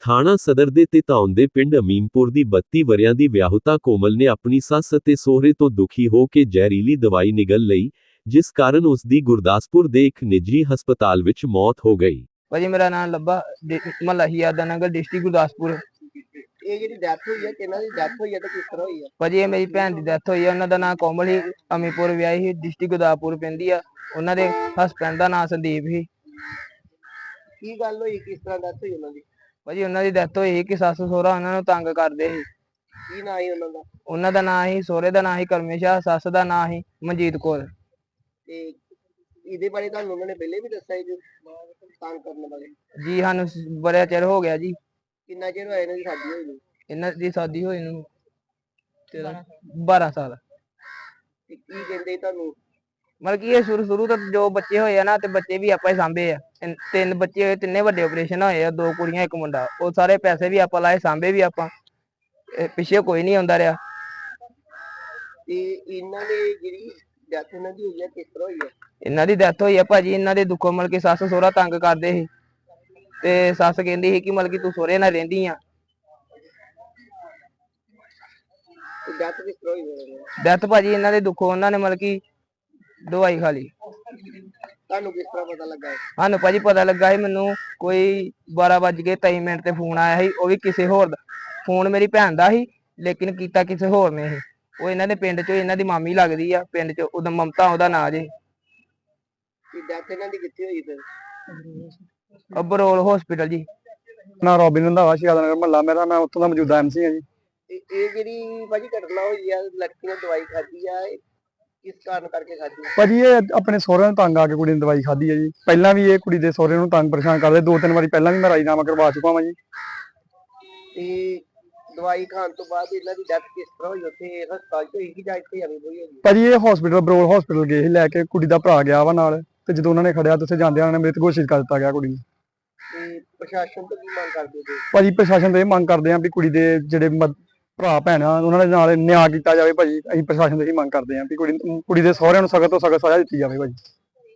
ਥਾਣਾ ਸਦਰ ਦੇ ਤਿਤਾਉਣ ਦੇ ਪਿੰਡ ਅਮੀਨਪੁਰ ਦੀ 32 ਵਰ੍ਹਿਆਂ ਦੀ ਵਿਆਹੁਤਾ ਕੋਮਲ ਨੇ ਆਪਣੀ ਸੱਸ ਅਤੇ ਸਹੁਰੇ ਤੋਂ ਦੁਖੀ ਹੋ ਕੇ ਜ਼ਹਿਰੀਲੀ ਦਵਾਈ ਨਿਗਲ ਲਈ, ਜਿਸ ਕਾਰਨ ਉਸ ਦੀ ਗੁਰਦਾਸਪੁਰ ਦੇ ਇੱਕ ਨਿੱਜੀ ਹਸਪਤਾਲ ਵਿੱਚ ਮੌਤ ਹੋ ਗਈ। ਭਾਜੀ ਮੇਰਾ ਨਾਮ ਲੱਭਾ ਮਹੱਲਾ ਹਿਆਦਾ ਨਗਰ ਡਿਸਟ੍ਰਿਕਟ ਗੁਰਦਾਸਪੁਰ। ਇਹ ਜਿਹੜੀ ਡੈਥ ਹੋਈ ਹੈ ਕਿਹਨਾਂ ਦੀ ਡੈਥ ਹੋਈ ਹੈ ਤੇ ਕਿਸ ਤਰ੍ਹਾਂ ਹੋਈ ਹੈ? ਭਾਜੀ ਇਹ ਮੇਰੀ ਭੈਣ ਦੀ ਡੈਥ ਹੋਈ ਹੈ। ਉਹਨਾਂ ਦਾ ਨਾਮ ਕੋਮਲ ਸੀ, ਅਮੀਪੁਰ ਵਿਆਹੀ ਸੀ, ਡਿਸਟ੍ਰਿਕਟ ਗੁਰਦਾਸਪੁਰ ਪੈਂਦੀ ਆ। ਉਹਨਾਂ ਦੇ ਹਸਬੈਂਡ ਦਾ ਨਾਮ ਸੰਦੀਪ ਸੀ। ਕੀ ਗੱਲ ਹੋਈ, ਕਿਸ ਤਰ੍ਹਾਂ ਡੈਥ ਹੋਈ ਉਹਨਾਂ ਦੀ? ਭਾਜੀ ਉਹਨਾਂ ਦੀ ਡੈਥ ਹੋਈ ਕਿ ਸੱਸ ਸਹੁਰਾ ਉਹਨਾਂ ਨੂੰ ਤੰਗ ਕਰਦੇ ਸੀ। ਕੀ ਨਾਂ ਸੀ ਉਹਨਾਂ ਦਾ? ਉਹਨਾਂ ਦਾ ਨਾਮ ਸੀ, ਸਹੁਰੇ ਦਾ ਨਾਮ ਸੀ ਕਰਮੇਸ਼ਾ, ਸੱਸ ਦਾ ਨਾਮ ਸੀ ਮਨਜੀਤ ਕੌਰ। ਤੇ ਇਹਦੇ ਬਾਰੇ ਤੁਹਾਨੂੰ ਉਹਨਾਂ ਨੇ ਪਹਿਲੇ ਵੀ ਦੱਸਿਆ ਜੀ ਤੰਗ ਕਰਨ ਬਾਰੇ? ਜੀ ਸਾਨੂੰ ਬੜਾ ਚਿਰ ਹੋ ਗਿਆ ਜੀ। ਕਿੰਨਾ ਚਿਰ ਹੋਇਆ ਇਹਨਾਂ ਦੀ ਸ਼ਾਦੀ ਹੋਈ ਨੂੰ? ਇਹਨਾਂ ਦੀ ਸ਼ਾਦੀ ਹੋਈ ਨੂੰ 12 ਸਾਲ। ਤੇ ਕੀ ਕਹਿੰਦੇ ਤੁਹਾਨੂੰ? ਮਤਲਬ ਕਿ ਇਹ ਸ਼ੁਰੂ ਤੋਂ ਜੋ ਬੱਚੇ ਹੋਏ ਆ ਨਾ, ਤੇ ਬੱਚੇ ਵੀ ਆਪਾਂ ਹੀ ਸਾਂਭੇ ਆ। ਤਿੰਨ ਬੱਚੇ ਹੋਏ, ਤਿੰਨੇ ਵੱਡੇ ਆਪਰੇਸ਼ਨ ਹੋਏ ਆ, 2 ਕੁੜੀਆਂ 1 ਮੁੰਡਾ। ਉਹ ਸਾਰੇ ਪੈਸੇ ਵੀ ਆਪਾਂ ਲਾਏ, ਸਾਂਭੇ ਵੀ ਆਪਾਂ। ਪਿੱਛੇ ਕੋਈ ਨਹੀਂ ਆਉਂਦਾ ਰਿਹਾ। ਤੇ ਇਹਨਾਂ ਨੇ ਜਿਹੜੀ ਡੈਥ ਇਹਨਾਂ ਦੀ ਹੋਈ ਹੈ ਕਿਸ ਤਰ੍ਹਾਂ ਹੋਈ ਹੈ? ਇਹਨਾਂ ਦੀ ਡੈਥ ਹੋਈ ਆ ਭਾਜੀ, ਇਹਨਾਂ ਦੇ ਦੁੱਖੋਂ ਮਤਲਬ ਕਿ ਸੱਸ ਸਹੁਰਾ ਤੰਗ ਕਰਦੇ ਸੀ, ਤੇ ਸੱਸ ਕਹਿੰਦੀ ਸੀ ਕਿ ਮਤਲਬ ਕਿ ਤੂੰ ਸਹੁਰੇ ਨਾਲ ਰਹਿੰਦੀ ਆ। ਡੈਥ ਕਿਸ ਤਰ੍ਹਾਂ ਹੋਈ? ਡੈਥ ਭਾਜੀ ਇਹਨਾਂ ਦੇ ਦੁੱਖੋਂ ਉਹਨਾਂ ਨੇ ਮਤਲਬ ਕਿ ਦਵਾਈ ਖਾ ਲਈ। ਤੁਹਾਨੂੰ ਕਿਸ ਤਰ੍ਹਾਂ ਪਤਾ ਲੱਗਾ? ਸਾਨੂੰ ਭਾਜੀ ਪਤਾ ਲੱਗਾ ਸੀ, ਮੈਨੂੰ ਕੋਈ 12:23 ਤੇ ਫੋਨ ਆਇਆ ਸੀ। ਉਹ ਵੀ ਕਿਸੇ ਹੋਰ ਦਾ ਫੋਨ, ਮੇਰੀ ਭੈਣ ਦਾ ਸੀ, ਲੇਕਿਨ ਕੀਤਾ ਕਿਸੇ ਹੋਰ ਨੇ ਸੀ। ਉਹ ਇਹਨਾਂ ਦੇ ਪਿੰਡ ਚੋਂ, ਇਹਨਾਂ ਦੀ ਮਾਮੀ ਲੱਗਦੀ ਆ ਪਿੰਡ ਚ, ਉਹਦਾ ਮਮਤਾ ਉਹਦਾ ਨਾਂ ਜੇ। ਡੈਥ ਇਹਨਾਂ ਦੀ ਕਿੱਥੇ ਹੋਈ ਫਿਰ? ਬਰੋਲ ਹਸਪੀਟਲ ਜੀ। ਨਾ ਰੋਬਿਨ ਰੰਧਾਵਾ ਹਿਆਦਾ ਨਗਰ ਮਹੱਲਾ ਮੇਰਾ, ਮੈਂ ਉੱਥੋਂ ਦਾ ਮੌਜੂਦਾ ਐਮਸੀ ਹਾਂ ਜੀ। ਤੇ ਇਹ ਜਿਹੜੀ ਭਾਜੀ ਘਟਨਾ ਹੋਈ ਆ, ਲੜਕੀ ਨੇ ਦਵਾਈ ਖਾਧੀ ਆ, ਇਹ ਕਿਸ ਕਾਰਨ ਕਰਕੇ ਖਾਧੀ? ਭਾਜੀ ਇਹ ਆਪਣੇ ਸਹੁਰਿਆਂ ਨੂੰ ਤੰਗ ਆ ਕੇ ਕੁੜੀ ਨੇ ਦਵਾਈ ਖਾਧੀ ਹੈ ਜੀ। ਪਹਿਲਾਂ ਵੀ ਇਹ ਕੁੜੀ ਦੇ ਸਹੁਰੇ ਨੂੰ ਤੰਗ ਪਰੇਸ਼ਾਨ ਕਰਦੇ, 2-3 ਵਾਰੀ ਪਹਿਲਾਂ ਵੀ ਮੈਂ ਰਾਜੀਨਾਮਾ ਕਰਵਾ ਚੁੱਕਾ ਵਾਂ ਜੀ। ਤੇ ਦਵਾਈ ਖਾਣ ਤੋਂ ਬਾਅਦ ਇਹਨਾਂ ਦੀ ਡੈਥ ਕਿਸ ਤਰ੍ਹਾਂ ਹੋਈ? ਉੱਥੇ ਹਸਪਤਾਲ ਚ ਹੋਈ ਕਿ ਜਾਂ ਇੱਥੇ ਆਵੀਂ ਹੋਈ ਹੋਈ? ਭਾਜੀ ਇਹ ਹਸਪੀਟਲ ਬਰੋਲ ਹਸਪੀਟਲ ਗਏ ਸੀ ਲੈ ਕੇ, ਕੁੜੀ ਦਾ ਭਰਾ ਗਿਆ ਵਾ ਨਾਲ, ਤੇ ਜਦੋਂ ਉਹਨਾਂ ਨੇ ਖੜਿਆ ਤੇ ਉੱਥੇ ਜਾਂਦਿਆਂ ਉਹਨਾਂ ਨੇ ਮ੍ਰਿਤ ਘੋਸ਼ਿਤ ਕਰ ਦਿੱਤਾ ਗਿਆ ਕੁੜੀ ਨੂੰ। ਤੇ ਪ੍ਰਸ਼ਾਸਨ ਤੋਂ ਕੀ ਮੰਗ ਕਰਦੇ ਹੋ? ਭਾਜੀ ਪ੍ਰਸ਼ਾਸਨ ਤੋਂ ਇਹ ਮੰਗ ਕਰਦੇ ਆਂ ਵੀ ਕੁੜੀ ਦੇ ਜਿਹੜੇ ਭਰਾ ਭੈਣ ਆ ਉਹਨਾਂ ਦੇ ਨਾਲ ਨਿਆਂ ਕੀਤਾ ਜਾਵੇ ਭਾਜੀ। ਅਸੀਂ ਪ੍ਰਸ਼ਾਸਨ ਤੋਂ ਇਹ ਮੰਗ ਕਰਦੇ ਆਂ ਵੀ ਕੁੜੀ ਦੇ ਸਹੁਰਿਆਂ ਨੂੰ ਸਖਤ ਤੋਂ ਸਖਤ ਸਜ਼ਾ ਦਿੱਤੀ ਜਾਵੇ ਭਾਜੀ।